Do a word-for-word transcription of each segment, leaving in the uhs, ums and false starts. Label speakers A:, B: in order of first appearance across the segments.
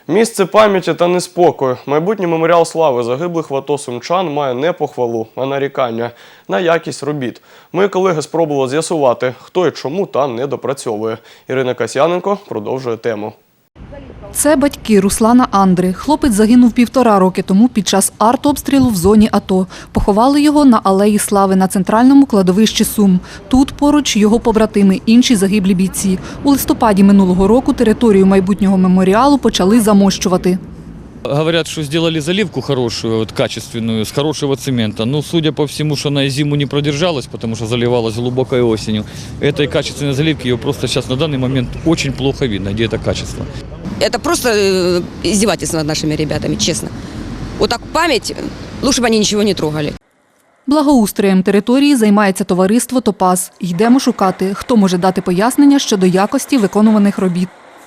A: Місце пам'яті та неспокою. Майбутній меморіал слави загиблих в АТО сумчан має не похвалу, а нарікання на якість робіт. Мої колеги спробували з'ясувати, хто і чому там не допрацьовує. Ірина Касьяненко продовжує тему.
B: Це батьки Руслана Андри. Хлопець загинув півтора роки тому під час артобстрілу в зоні АТО. Поховали його на Алеї Слави на центральному кладовищі Сум. Тут поруч його побратими, інші загиблі бійці. У листопаді минулого року територію майбутнього меморіалу почали замощувати.
C: Говорят, что сделали заливку хорошую, вот, качественную, с хорошего цемента. Но судя по всему, что она и зиму не продержалась, потому что заливалась глубокой осенью. Этой качественной заливки ее просто сейчас на данный момент очень плохо видно, где это качество.
D: Это просто издевательство над нашими ребятами, честно. Вот так память, лучше бы они ничего не трогали.
B: Благоустроєм території займається товариство «Топаз». Йдемо шукати, хто може дати пояснення щодо якості виконуваних робіт.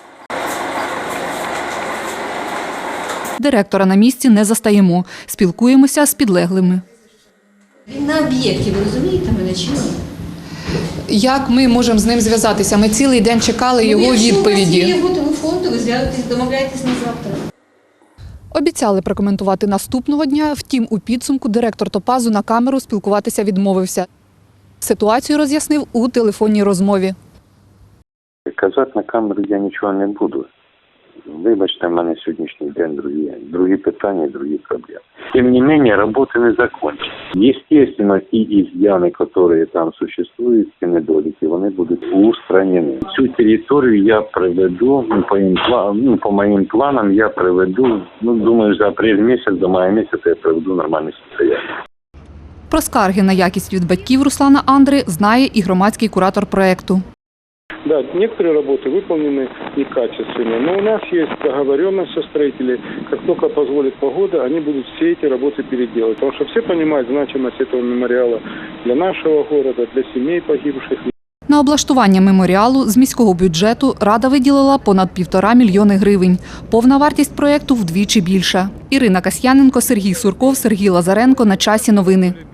B: Директора на місці не застаємо. Спілкуємося з підлеглими.
E: Він на об'єкті, ви розумієте мене чи ні?
B: Як ми можемо з ним зв'язатися? Ми цілий день чекали його відповіді.
E: Якщо у вас є його телефон, то ви зв'язуєтесь, домовляєтесь на завтра.
B: Обіцяли прокоментувати наступного дня, втім у підсумку директор «Топазу» на камеру спілкуватися відмовився. Ситуацію роз'яснив у телефонній розмові.
F: Казати на камеру я нічого не буду. Вибачте, в мене сьогоднішній день другі, другі питання, другі проблеми. Тим не менше, роботи не закончені. Естественно, ті изъяны, які там существують, ці недоліки, вони будуть устранені. Цю територію я приведу, ну, по, їм, ну, по моїм планам я приведу, ну, думаю, за апрель місяць, до мая місяця я приведу нормальне состояние.
B: Про скарги на якість від батьків Руслана Андри знає і громадський куратор проєкту.
G: Да, некоторые работы выполнены некачественно, но у нас есть договоренность со строителями, как только позволит погода, они будут все эти работы переделать. Потому что все понимают значимость этого мемориала для нашего города, для семей погибших.
B: На облаштування меморіалу з міського бюджету Рада виділила понад півтора мільйони гривень. Повна вартість проєкту вдвічі більша. Ірина Касьяненко, Сергій Сурков, Сергій Лазаренко. На часі новини.